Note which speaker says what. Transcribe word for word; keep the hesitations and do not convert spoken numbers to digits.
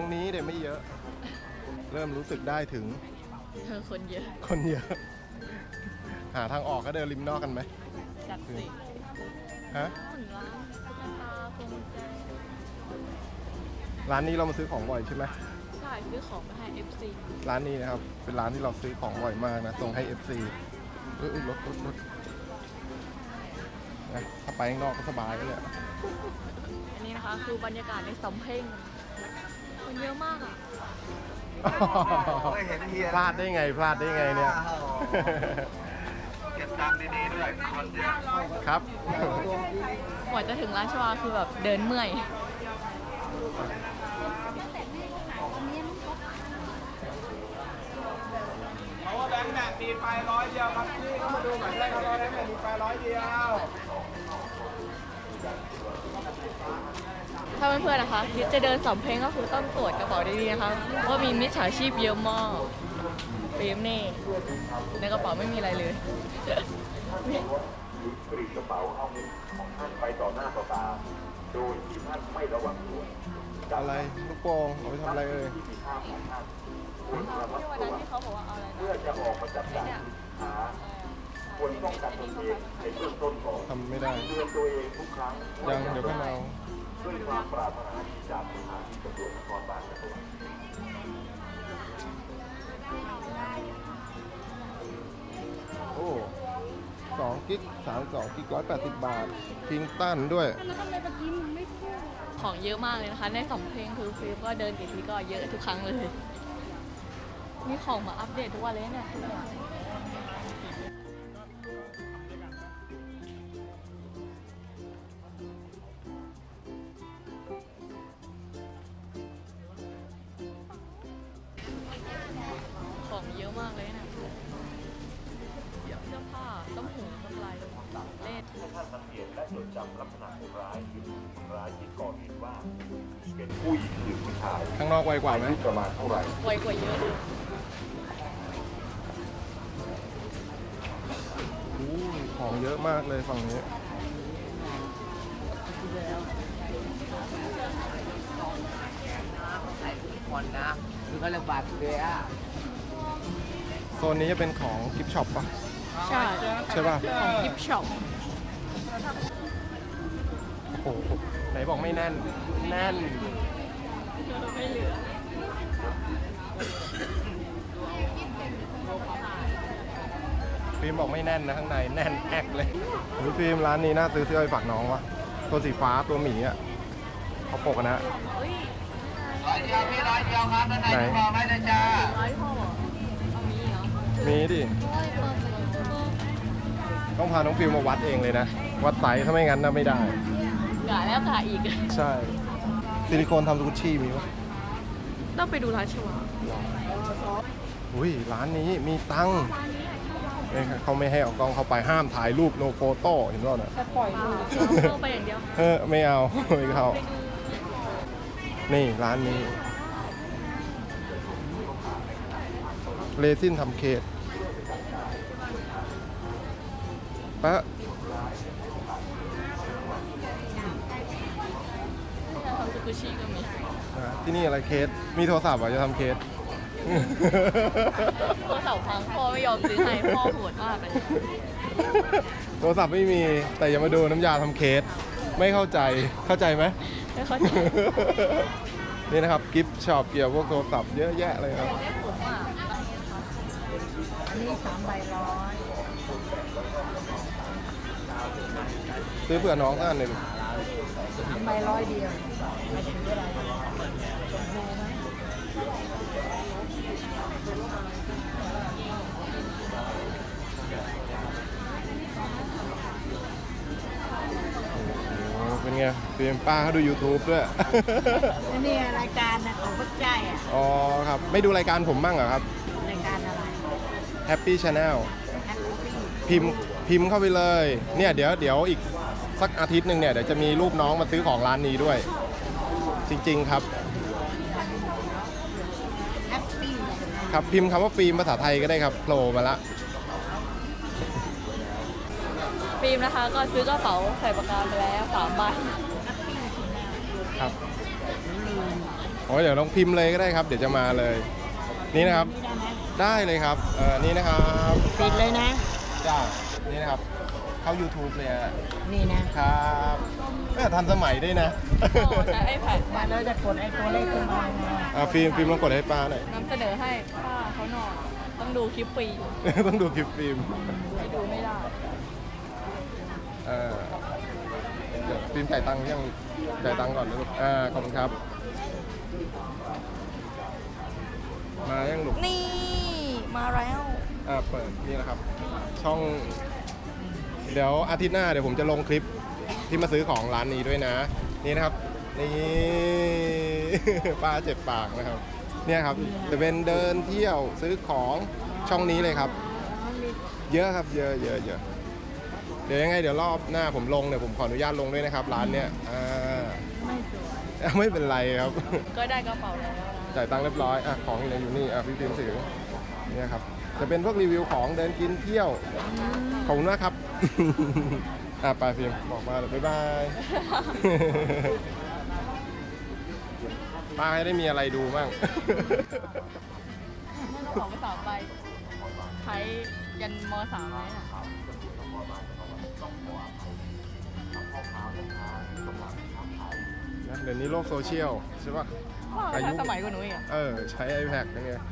Speaker 1: รงนี้เดี๋ยวไม่เยอะ เริ่มรู้สึกได้ถึง
Speaker 2: เธอคนเยอะ
Speaker 1: คนเยอะ หาทางออกก็เดินริมนอกกันไหม
Speaker 2: จัดสิ
Speaker 1: ฮะ
Speaker 2: เหมือนร้านตุ๊กตาพวงกุญแจ
Speaker 1: ร้านนี้เรามาซื้อของบ่อยใช่ไหม
Speaker 2: ใช่ซื้อของมาให้ เอฟ ซี
Speaker 1: ร้านนี้นะครับเป็นร้านที่เราซื้อของบ่อยมากนะส่งให้ เอฟ ซี เออรถรถรถนะถ้าไปข้างนอกก็สบายก็เลย
Speaker 2: อันนี้นะคะคือบรรยากาศในสำเพ็งคนเยอะมากอ่ะ
Speaker 3: ไม่เห็นเฮีย
Speaker 1: พลาดได้ไงพลาดได้ไงเนี่ย
Speaker 3: เก็บตังค์ดีๆด้วยคนเยอะ
Speaker 1: ครับ
Speaker 2: กว่าจะถึงร้านชวาคือแบบเดินเมื่อย
Speaker 3: เพราะว่าแบงค์แบบมีไฟร้อยเดียวครับพี่ก็มาดูหน่อยได้ครับแบงค์แบบมีไฟร้อยเดียว
Speaker 2: ถ้าเพื่อนๆนะคะคิดจะเดินสำเพ็งก็คือต้องตรวจกระเป๋าดีๆนะคะเพราะมีมิจฉาชีพเยอะมากเฟรมนี่ในกระเป๋าไม่มีอะไรเลย
Speaker 4: กรีดกระเป๋าเอาเงินของท่านไปต่อหน้าต่อตาโดยที่ท่านไม่ระวังตัว
Speaker 1: อะไรลูกโป่งเอาไปทำอะไรเอ่ย
Speaker 4: ที่มีค่าของท่านควรระมัด
Speaker 2: ที่วัน
Speaker 4: ระ
Speaker 2: นั้น
Speaker 4: วัง
Speaker 2: ที่เขาบอกว่าเอาอะไรนะ
Speaker 4: เพื่อจะออกมาจับจ่ายสินค้าควรป้องกันตนเองในเบื้องต้นก่อน
Speaker 1: ทำไม่ได้
Speaker 4: เตือนตัวเองทุกครั้ง
Speaker 1: ยังเดี๋ยวค่อยมาเอา
Speaker 4: ด้วยความปรารถนาดีจากสถานีตำรวจนครบาลจังหวัด
Speaker 1: โอ้สองกิกสามสองกิกร้อยแปดสิบบาทคิงตันด้วย
Speaker 2: ของเยอะมากเลยนะคะ ในสำเพ็งคือฟิลก็เดินกี่ทีก็เยอะทุกครั้งเลยมีของมาอัปเดตทุกวันเลยเนี่ยของเยอะมากเลยเนี่ยเสื้อผ้าต้มหูต้มลายเล่น
Speaker 4: ให้ท่านสังเกตและจดจำลักษณะคนร้ายหรือคนร้ายที่ก่อเหตุว่าเป็นผู้หญิงหรือผู้ชาย
Speaker 1: ข้างนอกไวกว่าไหม
Speaker 4: อายุประมาณเท่าไหร่
Speaker 2: ไวกว่าเยอะเลย
Speaker 1: อู้ของเยอะมากเลยฝั่งนี้
Speaker 5: คนนะคือเขาเรียกบาดเจ็บ
Speaker 1: โซนนี้จะเป็นของกิฟช็อปปะ
Speaker 2: ใช่
Speaker 1: ใช่ป่ะ
Speaker 2: ของกิฟช็อป
Speaker 1: โอ้โหไหนบอกไม่แน่น แน่น
Speaker 2: ไม่เหลือ
Speaker 1: ฟิล์มบอกไม่แน่นนะข้างในแน่นแอกเลยหรือฟิล์มร้านนี้น่าซื้อเสื้อไปฝากน้องวะตัวสีฟ้าตัวหมีอ่ะเขาปกอะนะ
Speaker 2: เฮ้ย
Speaker 3: ร้อยเดียวพี่ร้อยเดียวครับด้านใน
Speaker 1: ไหน
Speaker 3: กระเป๋าได้เลยจ้า
Speaker 2: ร้อยพ่อเหรอเอามีเหรอ
Speaker 1: มีดิ
Speaker 2: โอ้ยเปิดเปิดเปิด
Speaker 1: ต้องพาน้องฟิล์มมาวัดเองเลยนะ วัดไซส์ถ้าไม่งั้นนะไม่ได้
Speaker 2: กะแล้วกะอีก
Speaker 1: ใช่ซิลิโคนทำสกุชชี่มีปะ
Speaker 2: ต้องไปดูร้านชวา
Speaker 1: อุ้ยร้านนี้มีตังค์เอ้ยเขาไม่ให้เอากล้องเข้าไปห้ามถ่ายรูปโนโฟโต้เห็นป่ะเนี่ย
Speaker 2: ปล่อยมือเข้าไปอย่างเดียว
Speaker 1: เออไม่เอา ไม่เข้า
Speaker 2: ไปดู
Speaker 1: นี่ร้านนี้เรซินทำเค้กปะ
Speaker 2: ที่จะทำสกุชิก็มี
Speaker 1: อ่าที่นี่อะไรเคสมีโทรศัพท์เหรอจะทำเคส
Speaker 2: โทรศัพท์พังพ่อไม่ยอมซื้อให้พ่อโหดมากเลย
Speaker 1: โทรศัพท์ไม่มีแต่อย่ามาดูน้ำยาทำเคสไม่เข้าใจเข้าใจไหม
Speaker 2: ไม่เข้าใจ
Speaker 1: นี่นะครับกิฟต์ช็อปเกี่ยวกับพวกโทรศัพท์เยอะแยะเลยครับ
Speaker 2: ได้ผมอ่ะ
Speaker 5: อันนี้สามใบร้อย
Speaker 1: ซื้อเผื่อน้องท่านเลย
Speaker 5: สามใบร้อยเดียวไม่ถึงอะไรชมพูไหม
Speaker 1: โอ้เป็นไงเพียมป้าเขาดู YouTube ด้วย
Speaker 5: นี่รายการนะของพวกใจอ่ะ
Speaker 1: อ๋อครับ ไม่ดูรายการผมบ้างเหรอครับ
Speaker 5: รายการอะไร
Speaker 1: Happy Channel
Speaker 5: แฮปปี้
Speaker 1: พิมพ์พิมพ์เข้าไปเลย เนี่ยเดี๋ยวเดี๋ยวอีกสักอาทิตย์หนึ่งเนี่ยเดี๋ยวจะมีรูปน้องมาซื้อของร้านนี้ด้วย จริงๆครับ
Speaker 5: แฮปปี้
Speaker 1: ครับพิมพ์คำว่าฟิล์มภาษาไทยก็ได้ครับโผล่มาละ
Speaker 2: ฟิล์มนะคะก็ซื้อกระเป๋าใส่ปากกาไปแล้วสามใบ
Speaker 1: ครับ โอ้อ้ยเดี๋ยวลองพิมพ์เลยก็ได้ครับ เดี๋ยวจะมาเลย นี่นะครับ ได้เลยครับเออนี่นะครับ
Speaker 5: ปิดเลยนะ
Speaker 1: จ้านี่นะครับ เข้า YouTube เลยอะ
Speaker 5: นี่นะครับ
Speaker 1: แม่ทันสมัยด้วยนะ
Speaker 2: โอ้ใช้ iPad
Speaker 5: มาแล้วจะกดไอ้ตัวเลขขึ้นมาไง
Speaker 1: อ่ะฟิล์มฟิล์มลองกดให้ป้าหน่อย
Speaker 2: นำเสนอให้ป้าเขาหน่อยต้องดูคลิปฟรี
Speaker 1: ต้องดูคลิปฟิล์ม
Speaker 2: ไม่ดูไม่ได้
Speaker 1: เออเดี๋ยวฟิล์มจ่ายตังค์ยังจ่ายตังค์ก่อนนะลูกอ่าขอบคุณครับ มายังลูก
Speaker 2: นี่มาแล้ว
Speaker 1: อ่าเปิดนี่นะครับ ช่อง เดี๋ยวอาทิตย์หน้าเดี๋ยวผมจะลงคลิปที่มาซื้อของร้านนี้ด้วยนะ นี่นะครับ นี่ ป้าเจ็บปากนะครับ เนี่ยครับจะเป็นเดินเที่ยวซื้อของช่องนี้เลยครับ เยอะครับเยอะเยอะเยอะเดี๋ยวยังไงเดี๋ยวรอบหน้าผมลงเดี๋ยวผมขออนุญาตลงด้วยนะครับ ร้านเนี้ยอ่า
Speaker 5: ไม่สวย
Speaker 1: ไม่เป็นไรครับ
Speaker 2: ก็ได้กระเป๋าแล้วนะ
Speaker 1: จ่ายตังค์เรียบร้อยอ่ะของอยู่ในอยู่นี่อ่ะพี่พิมพ์สื่อเนี่ยครับจะเป็นพวกรีวิวของเดินกินเที่ยวขอบคุณมากครับ อ่ะไปพิมพ์บอกมาเลยบ๊ายบาย ป้าให้ได้มีอะไรดูบ้าง
Speaker 2: นั่นกระเป๋าภาษาใบใช้ยันมสามไหมน่ะ
Speaker 1: นะเดี๋ยวนี้โลกโซเชียลใช่ปะ
Speaker 2: ว่า
Speaker 1: อายุ
Speaker 2: ทันสมัยกว่าหนูอีกอะ
Speaker 1: เออ ใช้ iPad ยังไง